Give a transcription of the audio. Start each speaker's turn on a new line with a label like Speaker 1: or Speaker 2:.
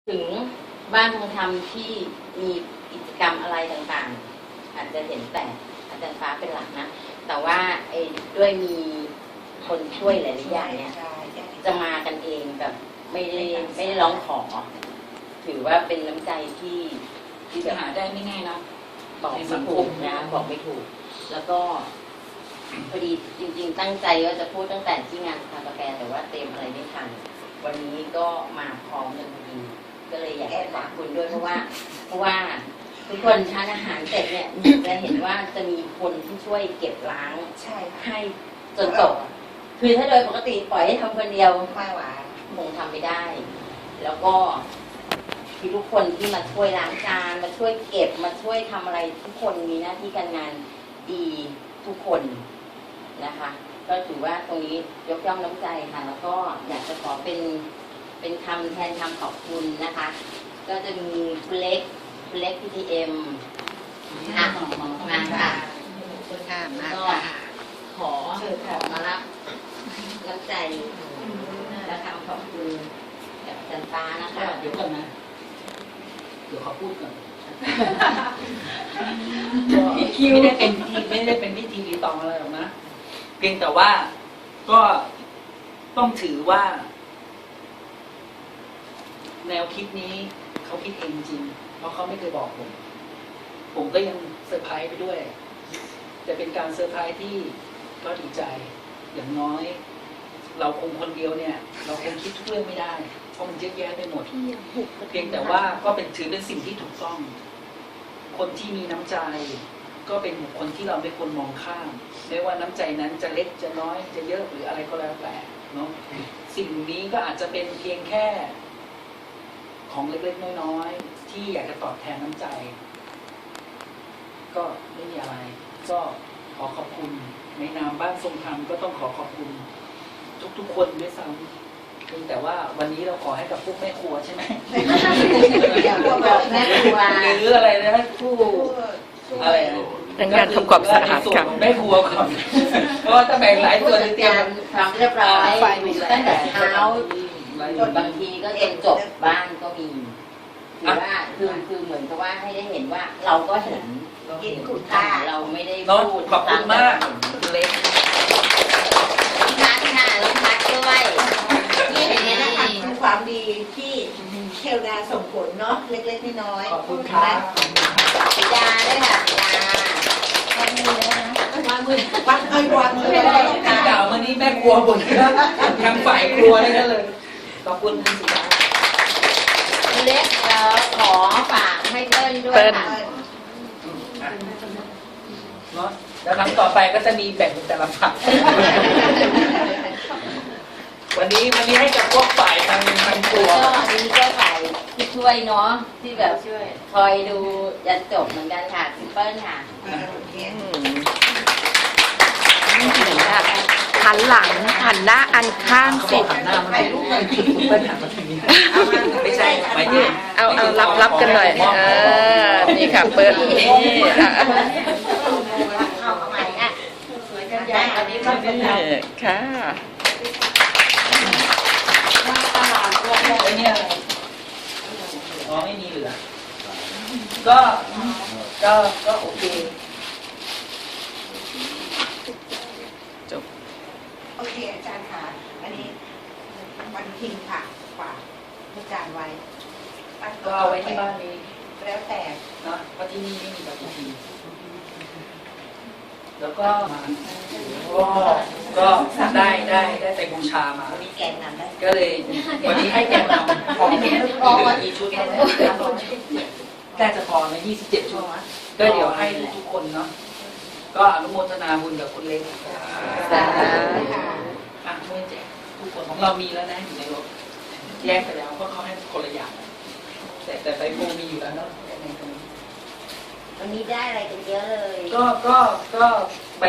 Speaker 1: ถึงบ้านทองธรรมที่มีกิจกรรมอะไรต่างๆอาจจะเห็นแต่อาจารย์ฟ้าเป็นหลักนะแต่ว่าด้วยมีคนช่วยหลายๆอย่างเนี่ยจะมากันเองแบบไม่ได้ร้องขอถือว่าเป็นน้ำใจที่
Speaker 2: จะหาได้ไม่ง่ายนะ
Speaker 1: บอกไม่ถูกนะบอกไม่ถูกแล้วก็พอดีจริงๆตั้งใจว่าจะพูดตั้งแต่ที่งานคากาแฟแต่ว่าเตรียมอะไรไม่ทันวันนี้ก็มาพร้อมกันพอดีก็เลยอยากจะฝากคุณด้วยเพราะว่าทุกคนทานอาหารเสร็จเนี่ยจะเห็นว่าจะมีคนที่ช่วยเก็บล้างให้จนจบคือถ้าโดยปกติปล่อยให้ทำคนเดียวไม่ไหวคงทำไม่ได้ แล้วก็คือทุกคนที่มาช่วยล้างจานมาช่วยเก็บมาช่วยทำอะไรทุกคนมีหน้าที่การงานดีทุกคนนะคะก็ถือว่าตรงนี้ยกย่องน้ำใจค่ะแล้วก็อยากจะขอเป็นคำแทนคำขอบคุณนะคะก็จะมีคุณเล็ก PTM ค่ะมาค่ะก็ขอมารับน้ำใจและคำขอบคุณจากอาจารย์ฟ้านะคะ
Speaker 2: เดี๋ยวก่อนนะเดี๋ยวขอพูดก่อนไม่ได้เป็นพิธีรีตองอะไรหรอกนะเพียงแต่ว่าก็ต้องถือว่าแนวคิดนี้เขาคิดเองจริงเพราะเขาไม่เคยบอกผมก็ยังเซอร์ไพรส์ไปด้วยแต่เป็นการเซอร์ไพรส์ที่ก็ดีใจอย่างน้อยเราคงคนเดียวเนี่ยเราคงคิดทุกเรื่องไม่ได้เพราะมันเยอะแยะไปหมดเพียงแต่ว่าก็ถือเป็นสิ่งที่ถูกต้องคนที่มีน้ำใจก็เป็นบุคคลที่เราไม่ควรมองข้ามไม่ว่าน้ำใจนั้นจะเล็กจะน้อยจะเยอะหรืออะไรก็แล้วแต่เนาะสิ่งนี้ก็อาจจะเป็นเพียงแค่ของเล็กๆน้อยๆที่อยากจะตอบแทนน้ำใจก็ไม่มีอะไรก็ขอขอบคุณในนามบ้านทรงธรรมก็ต้องขอขอบคุณทุกๆคนด้วยซ้ำเพียงแต่ว่าวันนี้เราขอให้กับพวกแม่ครัวใช่ไหม
Speaker 1: แม่ครัว
Speaker 2: หรืออะไรนะผู้อะไร
Speaker 3: เป็นการทำความสะอาดกัน
Speaker 2: แม่ครัวก่อนเพราะว่าถ้าแบ่งหลายส่วนเตรียม
Speaker 1: ทำเรียบร้อยตั้งแต่เช้าจนบางทีก็จนจบบ้านก็มีหรือว่าคือเหมือนกับว่าให้ได้เห็นว่าเราก็เห็นคุณค่าเราไม่ได้พูด
Speaker 2: ขอบคุณมากเล็ก
Speaker 1: พัดค่ะลงพัดด้วย
Speaker 4: นี่เห็นไหมนะคะคือความดีที่เทวดาส่งผลเนาะเล็กๆน้อยๆ
Speaker 2: ขอบคุณครับ
Speaker 1: ปิดาด้วยค่ะปิดาวางมือ
Speaker 4: เลย
Speaker 2: ที่เก่ามานี้แม่ครัวบ่นทางฝ่ายครัวเลยนั่นเลยขอบคุณคุณสุดา
Speaker 1: เล็กขอฝากให้เปิ้ลด้วยค่ะ
Speaker 2: เนาะแล้วครั้งต่อไปก็จะมีแบ่งเป็นแต่ละฝั่งวันนี้ให้กับพวกฝ่ายทางครัว
Speaker 1: ก็อันนี้ก็ฝ่ายที่ช่วยเนาะที่แบบคอยดูยันจบเหมือนกันค่ะคุณเปิ้ลค่ะ
Speaker 3: หันหลังหันหน้าอันข้างสิ
Speaker 2: หันหน้ามันเปิ้ลหันมาทางนี้ไม่ใช่ไม่ใช่
Speaker 3: เอารับกันหน่อยนี่ค่ะเปิ้ลนี่ค่ะ
Speaker 2: ไอ้เนี่ยอ๋อไม่มีเหลือก็โอเค
Speaker 3: จบ
Speaker 4: โอเคอาจารย์ค่ะอันนี้วันทิ้งค่ะฝากอาจารย์ไว้
Speaker 2: ก็เอาไว้ที่บ้านนี้
Speaker 4: แล้วแต่
Speaker 2: นะเพราะที่นี่ไม่มีปฏิทินแล้วก็ได้ไปบูชามา
Speaker 1: มีแกงนำได้
Speaker 2: ก็เลยวันนี้ให้แกงนำของกี่ชุดน่าจะพอนะ27 ชุดก็เดี๋ยวให้ทุกคนเนาะก็อนุโมทนาบุญกับคุณเล็กเมื่อแจกทุกคนของเรามีแล้วนะอยู่ในรถแยกไปแล้วเพราะเขาให้คนละอย่างแต่ไปโมมีอยู่แล้วเนาะ
Speaker 1: วันนี้ได้อะไรกันเยอะเลย
Speaker 2: ก็